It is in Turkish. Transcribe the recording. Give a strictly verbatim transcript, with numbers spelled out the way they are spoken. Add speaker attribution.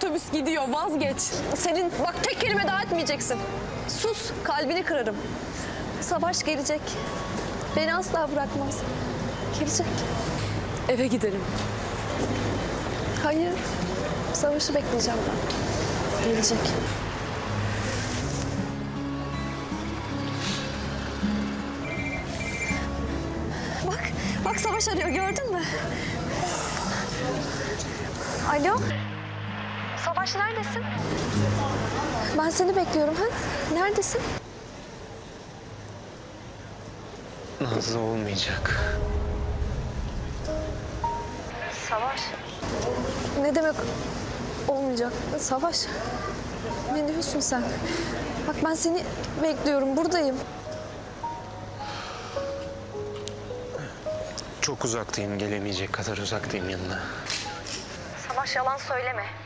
Speaker 1: otobüs gidiyor, vazgeç.
Speaker 2: Senin bak tek kelime daha etmeyeceksin. Sus, kalbini kırarım. Savaş gelecek. Beni asla bırakmaz. Gelecek.
Speaker 1: Eve gidelim.
Speaker 2: Hayır. Savaşı bekleyeceğim ben. Gelecek. Bak, bak Savaş arıyor gördün mü? Alo? Savaş neredesin? Ben seni bekliyorum ha. Neredesin?
Speaker 3: Nazlı olmayacak.
Speaker 2: Savaş. Ne demek olmayacak? Savaş. Ne diyorsun sen? Bak ben seni bekliyorum, buradayım.
Speaker 3: Çok uzaktayım, gelemeyecek kadar uzaktayım yanına.
Speaker 2: Savaş yalan söyleme.